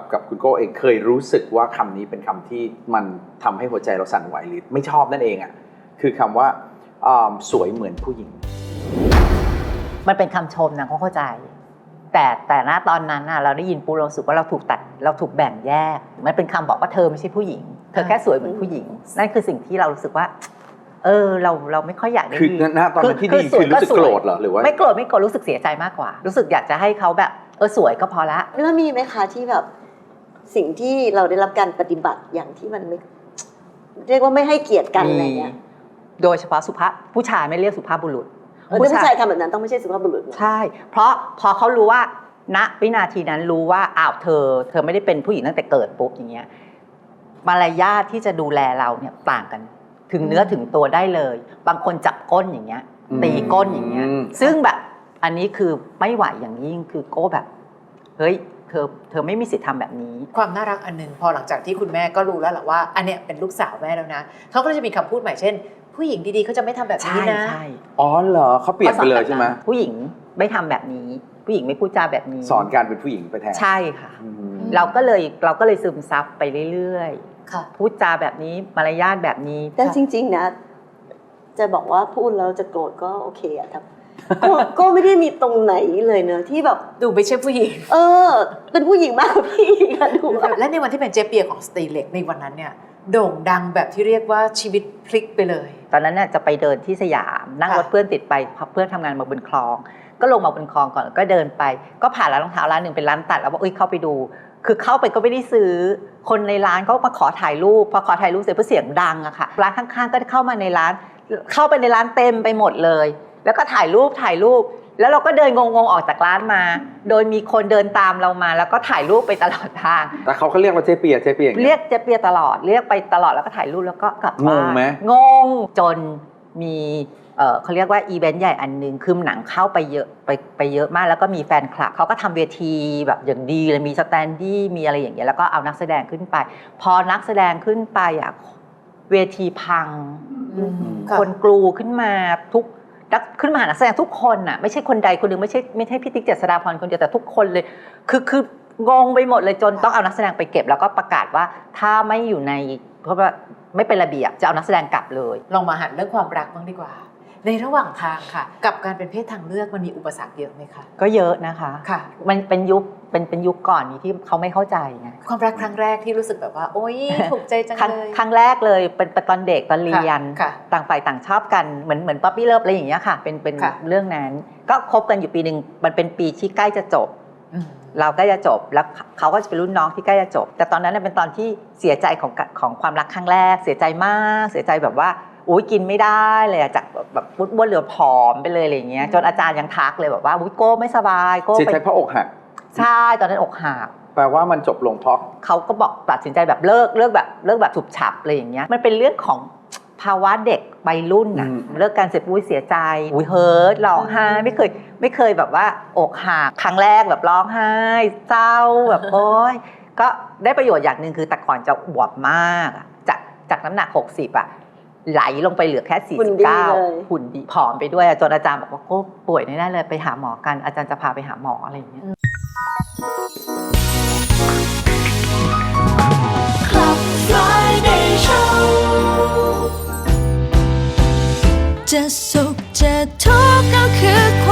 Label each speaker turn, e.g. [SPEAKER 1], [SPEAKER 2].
[SPEAKER 1] กับคุณโก้เองเคยรู้สึกว่าคำนี้เป็นคำที่มันทำให้หัวใจเราสั่นไหวหรือไม่ชอบนั่นเองอ่ะคือคำว่าสวยเหมือนผู้หญิง
[SPEAKER 2] มันเป็นคำชมนะเข้าใจแต่ณตอนนั้นเราได้ยินปุ๊บเราสึกว่าเราถูกตัดเราถูกแบ่งแยกมันเป็นคำบอกว่าเธอไม่ใช่ผู้หญิงเธอแค่สวยเหมือนผู้หญิงนั่นคือสิ่งที่เรารู้สึกว่าเราไม่ค่อยอยากได้ยิน
[SPEAKER 1] คือณตอนนั้นที่ดีคือรู้สึกโกรธเหรอหรือว่า
[SPEAKER 2] ไม่โกรธรู้สึกเสียใจมากกว่ารู้สึกอยากจะให้เขาแบบสวยก็พอละ
[SPEAKER 3] แล้วมีไหมคะที่แบบสิ่งที่เราได้รับการปฏิบัติอย่างที่มันไม่เรียกว่าไม่ให้เกียรติกันอะไรเงี้ย
[SPEAKER 2] โดยเฉพาะสุภาพผู้ชายไม่เรียกสุภาพบุรุษ
[SPEAKER 3] ผู้ชายทำแบบนั้นต้องไม่ใช่สุภาพบุรุษ
[SPEAKER 2] ใช่เพราะพอเขารู้ว่าณวินาทีนั้นรู้ว่าเธอไม่ได้เป็นผู้หญิงตั้งแต่เกิดปุ๊บอย่างเงี้ยมารยาทที่จะดูแลเราเนี่ยต่างกันถึงเนื้อถึงตัวได้เลยบางคนจับก้นอย่างเงี้ยตีก้นอย่างเงี้ยซึ่งแบบอันนี้คือไม่ไหวอย่างยิ่งคือโก้แบบเฮ้ยเธอไม่มีสิทธิ์ทำแบบนี้
[SPEAKER 4] ความน่ารักอันนึงพอหลังจากที่คุณแม่ก็รู้แล้วแหละว่าอันเนี้ยเป็นลูกสาวแม่แล้วนะเขาก็จะมีคำพูดใหม่เช่นผู้หญิงดีๆเขาจะไม่ทำแบบนี้นะ
[SPEAKER 2] ใช่
[SPEAKER 1] อ๋อเหรอเขาเปลี่ยนไปเลยใช่ไหม
[SPEAKER 2] ผู้หญิงไม่ทำแบบนี้ผู้หญิงไม่พูดจาแบบนี้
[SPEAKER 1] สอนการเป็นผู้หญิงไปแทน
[SPEAKER 2] ใช่ค่ะเราก็เลยซึมซับไปเรื่อยๆพูดจาแบบนี้มารยาทแบบนี้
[SPEAKER 3] แต่จริงๆนะจะบอกว่าพูดแล้วจะโกรธก็โอเคอะครับก็ไม่ได้มีตรงไหนเลยเนอะที่แบบ
[SPEAKER 4] ดูไม่ใช่ผู้หญิง
[SPEAKER 3] เป็นผู้หญิงมากกว่าพี่ค่ะดู
[SPEAKER 4] และในวันที่เป็นเจเปียของสตรีเล็กในวันนั้นเนี่ยโด่งดังแบบที่เรียกว่าชีวิตพลิกไปเลย
[SPEAKER 2] ตอนนั้นเนี่ยจะไปเดินที่สยามนั่งรถเพื่อนติดไปเพื่อนทำงานมาบนคลองก็ลงมาบนคลองก่อนก็เดินไปก็ผ่านร้านรองเท้าร้านหนึ่งเป็นร้านตัดแล้วว่าเข้าไปดูคือเข้าไปก็ไม่ได้ซื้อคนในร้านก็มาขอถ่ายรูปพอขอถ่ายรูปเสร็จเพราะเสียงดังอะค่ะร้านข้างๆก็เข้ามาในร้านเข้าไปในร้านเต็มไปหมดเลยแล้วก็ถ่ายรูปแล้วเราก็เดินงงๆออกจากร้านมาโดยมีคนเดินตามเรามาแล้วก็ถ่ายรูปไปตลอดทาง
[SPEAKER 1] แต่เขาเรียกว่าเจ๊เปีย
[SPEAKER 2] เรียกเจ๊เปียตลอดเรียกไปตลอดแล้วก็ถ่ายรูปแล้วก็กลับบ้าน
[SPEAKER 1] งงไหม
[SPEAKER 2] งงจนมีเขาเรียกว่าอีเวนต์ใหญ่อันนึงคือหนังเข้าไปเยอะไปเยอะมากแล้วก็มีแฟนคลับเขาก็ทำเวทีแบบอย่างดีเลยมีสแตนดี้มีอะไรอย่างเงี้ยแล้วก็เอานักแสดงขึ้นไปพอนักแสดงขึ้นไปเวทีพังคนกลูขึ้นมาขึ้นมาหานักแสดงทุกคนน่ะไม่ใช่คนใดคนหนึ่งไม่ใช่พี่ติ๊กเจษฎาพรคนเดียวแต่ทุกคนเลยคืองงไปหมดเลยจนต้องเอานักแสดงไปเก็บแล้วก็ประกาศว่าถ้าไม่อยู่ในเพราะว่าไม่เป็นระเบียบจะเอานักแสดงกลับเลย
[SPEAKER 4] ลองมาหันเรื่องความรักบ้างดีกว่าในระหว่างทางค่ะกับการเป็นเพศทางเลือกมันมีอุปสรรคเยอะไหมคะ
[SPEAKER 2] ก็เยอะนะคะ
[SPEAKER 4] ค่ะ
[SPEAKER 2] มันเป็นยุคก่อนนี้ที่เขาไม่เข้าใจไง
[SPEAKER 4] ความรักครั้งแรกที่รู้สึกแบบว่าโอ๊ยถูกใจจังเลย
[SPEAKER 2] ครั้งแรกเลยเป็นตอนเด็กตอนเรียนต่างฝ่ายต่างชอบกันเหมือนป๊อปปี้เลิฟอะไรอย่างเงี้ยค่ะเป็นเรื่องนั้นก็คบกันอยู่ปีนึงมันเป็นปีที่ใกล้จะจบเราใกล้จะจบแล้วเขาก็จะเป็นรุ่นน้องที่ใกล้จะจบแต่ตอนนั้นเป็นตอนที่เสียใจของความรักครั้งแรกเสียใจมากเสียใจแบบว่ากินไม่ได้เลยจากแบบบ้วนเหลือผอมไปเลยอะไรอย่างเงี้ยจนอาจารย์ยังทักเลยแบบว่าโก้ไม่สบายโก้
[SPEAKER 1] เสียใจเพราะอกหัก
[SPEAKER 2] ใช่ตอนนั้นอกหัก
[SPEAKER 1] แปลว่ามันจบลงเพราะ
[SPEAKER 2] เขาก็บอกตัดสินใจแบบเลิกแบบฉุบฉับอะไรอย่างเงี้ยมันเป็นเรื่องของภาวะเด็กวัยรุ่นน่ะเลิกการเสร็จเสียใจเฮิร์ตร้องไห้ไม่เคยแบบว่าอกหักครั้งแรกแบบร้องไห้เศร้าแบบโอ๊ยก็ได้ประโยชน์อย่างนึงคือแต่ก่อนจะอวบมากจากน้ำหนัก60ไหลลงไปเหลือแค่49หุ่นดีผอมไปด้วยจนอาจารย์บอกว่าก็ป่วยแน่เลยไปหาหมอกันอาจารย์จะพาไปหาหมออะไรอย่างเงี้ย
[SPEAKER 5] จะสุขจะทุกข์ก็คือ